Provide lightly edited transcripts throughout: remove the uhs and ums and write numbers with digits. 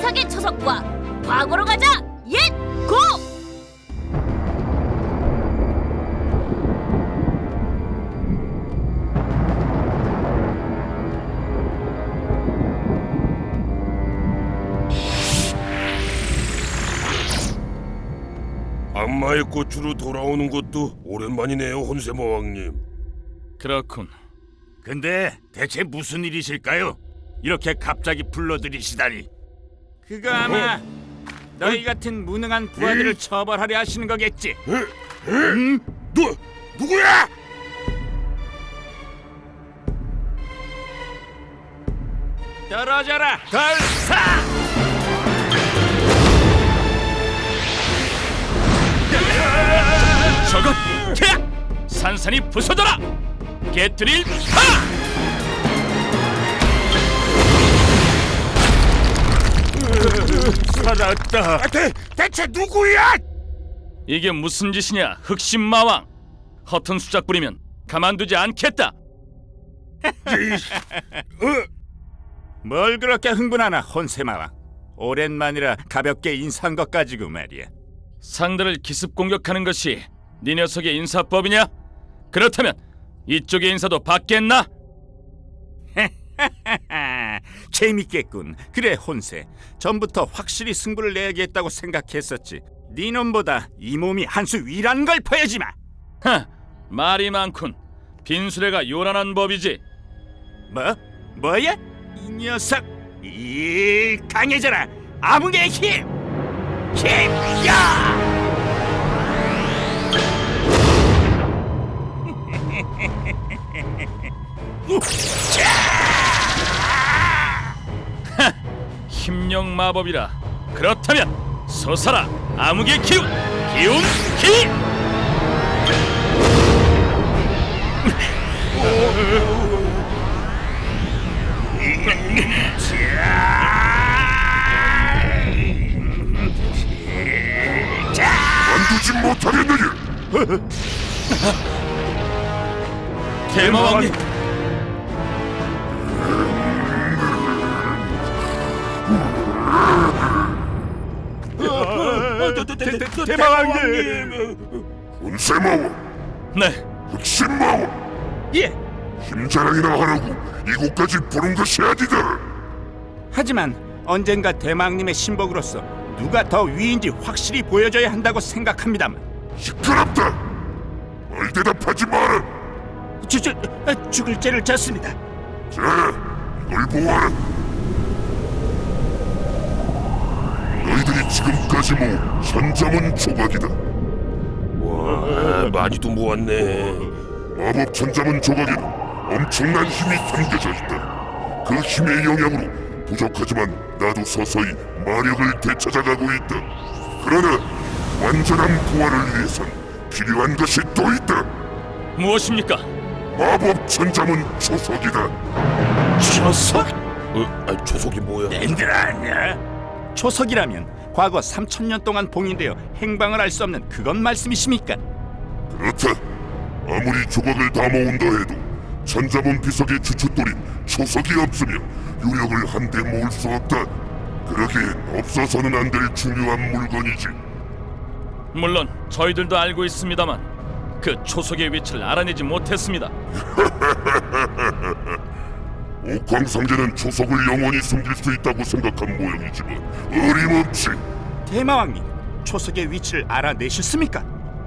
초석의 초석과 과거로 가자. 옛 고! 악마의 꽃으로 돌아오는 것도 오랜만이네요, 혼세마왕님. 그렇군. 근데 대체 무슨 일이실까요? 이렇게 갑자기 불러들이시다니. 그거 아마 너희 같은 무능한 부하들을 처벌하려 하시는 거겠지. 누구야? 떨어져라, 걸사! 저것! 캬! 산산이 부서져라! 개트릴 파! 살았다. 대체 누구야? 이게 무슨 짓이냐, 흑심마왕! 허튼 수작 부리면 가만두지 않겠다! 뭘 그렇게 흥분하나, 혼세마왕. 오랜만이라 가볍게 인사한 것 가지고 말이야. 상대를 기습 공격하는 것이 네 녀석의 인사법이냐? 그렇다면 이쪽의 인사도 받겠나? 재밌겠군. 그래, 혼세. 전부터 확실히 승부를 내야겠다고 생각했었지. 네 놈보다 이 몸이 한 수 위라는 걸 보여주마. 하! 말이 많군. 빈수레가 요란한 법이지. 뭐야? 이 녀석! 이 강해져라! 암흑의 힘! 힘야! 힘령 마법이라. 그렇다면 솟아라, 암흑의 기운! 기운 기! 만두지 못하겠느냐? 대마왕님! 대마왕님! 혼세마왕, 네, 흑심마왕, 예! 힘자랑이나 하라고 이곳까지 부른 것이 아니다. 하지만 언젠가 대마왕님의 신복으로서 누가 더 위인지 확실히 보여줘야 한다고 생각합니다만. 시끄럽다. 말 대답하지 마라. 죽을 죄를 졌습니다. 자, 이걸 보아라. 너희들이 지금까지 모은 천자문 조각이다. 와, 많이도 모았네. 마법 천자문 조각에는 엄청난 힘이 담겨져 있다. 그 힘의 영향으로 부족하지만 나도 서서히 마력을 되찾아가고 있다. 그러나 완전한 부활을 위해선 필요한 것이 또 있다. 무엇입니까? 마법 천자문 초석이다. 초석? 초석이 뭐야? 낸들 아냐? 초석이라면 과거 3000년 동안 봉인되어 행방을 알 수 없는 그것 말씀이십니까? 그렇다. 아무리 조각을 다 모은다 해도 천자문 비석의 주춧돌인 초석이 없으며 유력을 한데 모을 수 없다. 그러기엔 없어서는 안 될 중요한 물건이지. 물론 저희들도 알고 있습니다만 그 초석의 위치를 알아내지 못했습니다. 옥황상제는 초석을 영원히 숨길 수 있다고 생각한 모양이지만 어림없지. 대마왕님, 초석의 위치를 알아내셨습니까?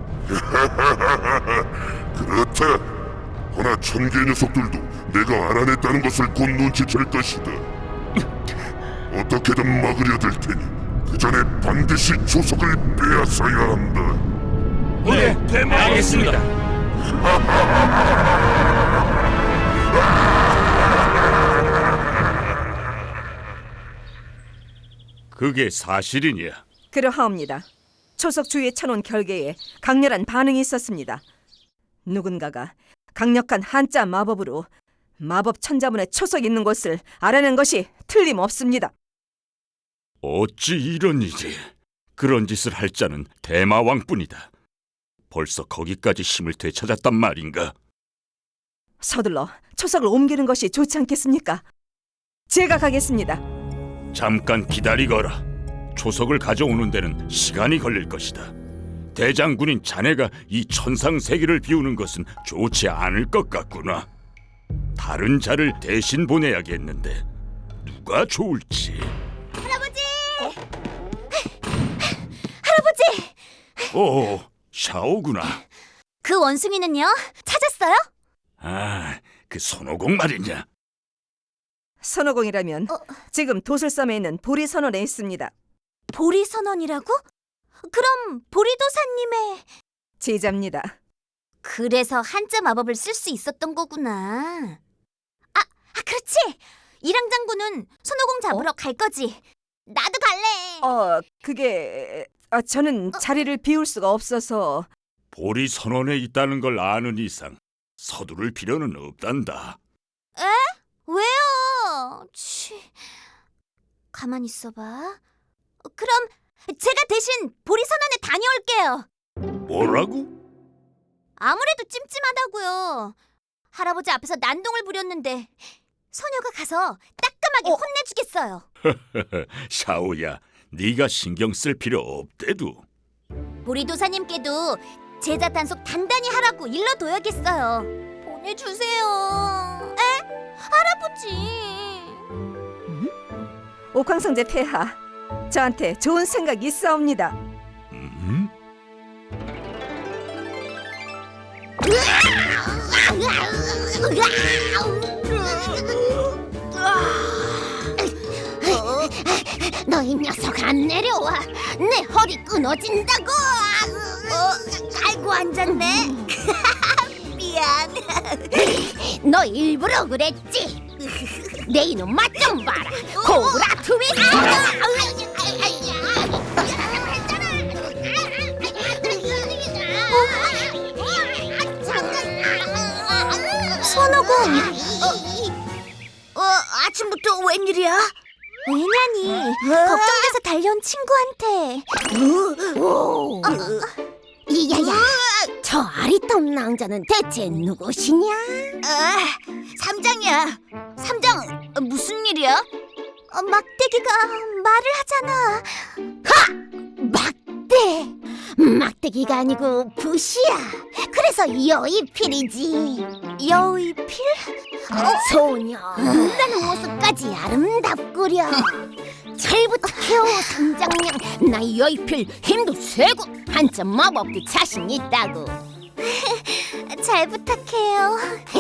그렇다. 허나 천개 녀석들도 내가 알아냈다는 것을 곧 눈치챌 것이다. 어떻게든 막으려 될 테니 그 전에 반드시 초석을 빼앗아야 한다. 네, 알겠습니다. 그게 사실이냐? 그러하옵니다. 초석 주위에 쳐놓은 결계에 강렬한 반응이 있었습니다. 누군가가 강력한 한자 마법으로 마법 천자문에 초석이 있는 곳을 알아낸 것이 틀림없습니다. 어찌 이런 일이? 그런 짓을 할 자는 대마왕뿐이다. 벌써 거기까지 힘을 되찾았단 말인가? 서둘러 초석을 옮기는 것이 좋지 않겠습니까? 제가 가겠습니다. 잠깐 기다리거라. 초석을 가져오는 데는 시간이 걸릴 것이다. 대장군인 자네가 이 천상세계를 비우는 것은 좋지 않을 것 같구나. 다른 자를 대신 보내야겠는데 누가 좋을지. 할아버지! 할아버지! 오, 샤오구나. 그 원숭이는요? 찾았어요? 아, 그 손오공 말이냐? 선호공이라면 지금 도술섬에 있는 보리선원에 있습니다. 보리선원이라고? 그럼 보리도사님의... 제자입니다. 그래서 한자 마법을 쓸 수 있었던 거구나. 그렇지! 이랑 장군은 손오공 잡으러 갈 거지. 나도 갈래. 그게 저는 자리를 비울 수가 없어서. 보리 선원에 있다는 걸 아는 이상 서두를 필요는 없단다. 왜요? 가만히 있어봐. 그럼 제가 대신 보리선원에 다녀올게요. 뭐라고? 아무래도 찜찜하다고요. 할아버지 앞에서 난동을 부렸는데 소녀가 가서 따끔하게 혼내주겠어요. 샤오야, 네가 신경 쓸 필요 없대도. 보리도사님께도 제자 단속 단단히 하라고 일러둬야겠어요. 보내주세요. 할아버지. 옥황성제 폐하, 저한테 좋은 생각이 있사옵니다. 너 이 녀석 안 내려와. 내 허리 끊어진다고. 아이고 앉았네. 미안. 너 일부러 그랬지. 내 이놈 맛 좀 봐라. 코브라 트위스트. 손오공. 아침부터 웬일이야? 왜냐니? 걱정돼서 달려온 친구한테. 이야야, 저 아리따운 낭자는 대체 누구시냐? 삼장이야. 삼장 무슨 일이야? 막대기가 말을 하잖아. 막대! 막대기가 아니고 붓이야. 그래서 여의필이지. 여의필? 소녀, 나는 모습까지 아름답구려. 잘 부탁해요, 삼장냥. 나 여의필 힘도 세고 한자 마법도 자신 있다고. 잘 부탁해요.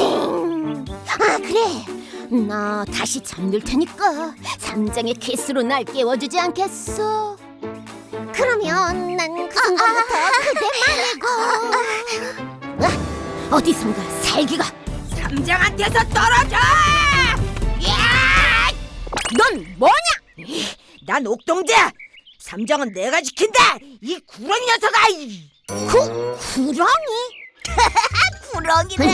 그래. 나 다시 잠들 테니까 삼장의 키스로 날 깨워주지 않겠어? 그러면 난 그 순간부터 그대 말고 어디선가 살기가 삼장한테서 떨어져! 야! 넌 뭐냐? 난 옥동자. 삼장은 내가 지킨다. 이 구렁이 녀석아. 구렁이? 구렁이네.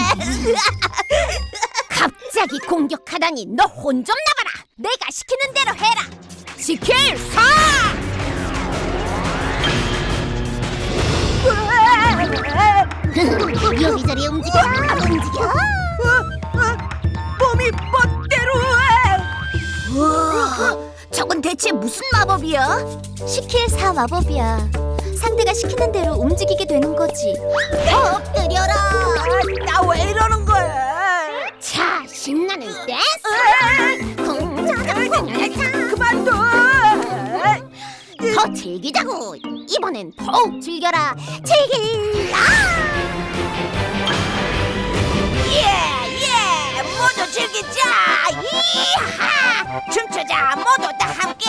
갑자기 공격하다니 너 혼 좀 나가라. 내가 시키는 대로 해라. 시킬 사! 여기저기 움직여. 몸이 멋대로. 저건 대체 무슨 마법이야? 시킬 사 마법이야. 상대가 시키는 대로 움직이게 되는 거지. 엎드려라. 나 왜 이러는 거야? 자, 신나는 댄스. 그만둬. 더 즐기자고. 이번엔 더욱 즐겨라. 즐길라. 예, 모두 즐기자. 이하, 춤추자. 모두 다 함께.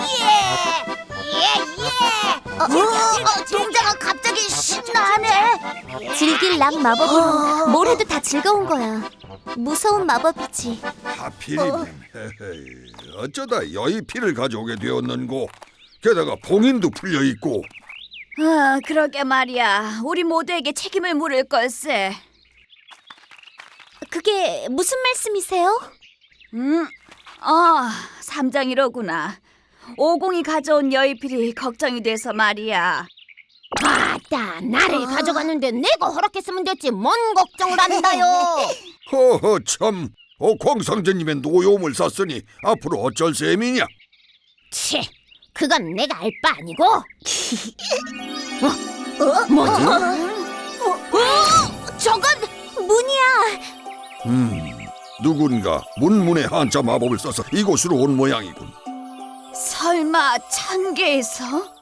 동자가 갑자기 신나네. 즐길락 마법이면 뭘 해도 다 즐거운 거야. 무서운 마법이지. 하필이면 헤헤, 어쩌다 여의필을 가져오게 되었는고. 게다가 봉인도 풀려있고. 그러게 말이야. 우리 모두에게 책임을 물을 걸세. 그게 무슨 말씀이세요? 삼장이로구나. 오공이 가져온 여의필이 걱정이 돼서 말이야. 아따, 나를 가져갔는데 내가 허락했으면 됐지. 뭔 걱정을 한다요. 허허 참. 옥황상제님의 노여움을 샀으니 앞으로 어쩔 셈이냐. 치, 그건 내가 알 바 아니고. 뭐지? 저건 문이야. 누군가 문문의 한자 마법을 써서 이곳으로 온 모양이군. 설마 천계에서?